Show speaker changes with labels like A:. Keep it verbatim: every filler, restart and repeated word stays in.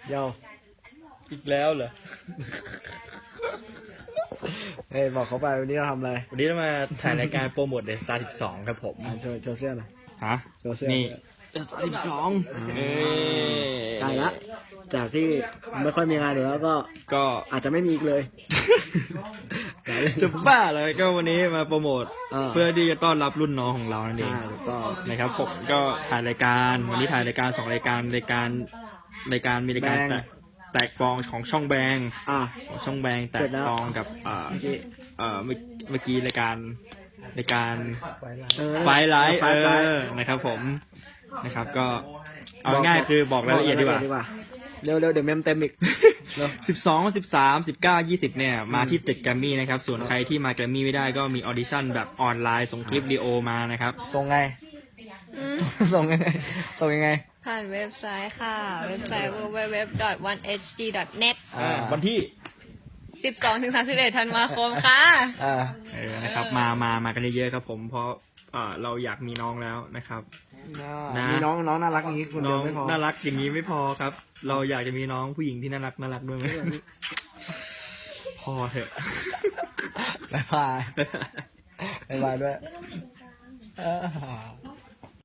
A: เดี๋ยว
B: อีกแล้วเหรอ
A: เฮ้ยบอกเขาไปวันนี้เราทำอะไร
B: วันนี้เรามาถ่ายรายการโปรโมทเดสตาร์สิบสองครับผม
A: อ่ะโชว์โชว์เสื้อหน่อย
B: ฮะ
A: โชว์เสื้อ
B: นี่เดสตาร์สิบสองเอ้ย
A: ใกล้ละจากที่ไม่ค่อยมีงานอยู่แล้วก็
B: ก็
A: อาจจะไม่มีอีกเลย
B: จะบ้าเลยก็วันนี้มาโปรโมท
A: เออ
B: เพื่อที่จะต้อนรับรุ่นน้องของเรานั่นเอง
A: ใช่ถูกต้อง
B: นะครับผมก็ถ่ายรายการวันนี้ถ่ายรายการสองรายการรายการรายการมีรายการ
A: แบง
B: แตกแตกฟองของช่องแบง
A: อ่ะ
B: ของช่องแบงแต
A: เสร็
B: ก
A: จแล้ว
B: ฟองกับเอ่อ
A: เมื่อกี้
B: เอ่อเมื่อเมื่อกี้รายการรายการ
A: เออ
B: ไฟไลท์
A: ไฟ
B: เอ
A: ไลท์
B: อนะครับผมนะครับก็เอาง่ายๆคือบอกรายละเอียดดีกว่า
A: เร็วเร็วเดี๋ยวเมมเต็มอีกเร็ว
B: สิบสอง สิบสาม สิบเก้า ยี่สิบเนี่ยมาที่ตึกแกรมมี่นะครับส่วนใครที่มาแกรมมี่ไม่ได้ก็มีออดิชั่นแบบออนไลน์ส่งคลิปวิดีโอมานะครับ
A: ส่งไง
C: อืม
A: ส่งยังไงส่งยังไง
C: ผ่านเว็บไซต์ค่ะ เว็บไซต์ ดับเบิลยู ดับเบิลยู ดับเบิลยู ดอท วันเอช ดี ดอท เน็ต
A: อ่า
B: วันที่
C: สิบสองถึงสามสิบเอ็ด ธันวาคมค่ะ
A: อ่า
B: เออนะครับมามามากันเยอะๆครับผมเพราะเอ่อเราอยากมีน้องแล้วนะครับ นะ
A: มีน้องน้องน่ารักอย่างนี้คน
B: น้
A: เดี
B: อย ง
A: วไม่พอ
B: น่ารักอย่างนี้ไม่พอครับ เราอยากจะมีน้องผู้หญิงที่น่ารักน่ารักด้วยไหมพอเถอะ
A: บายบายบายบายด้วยเออ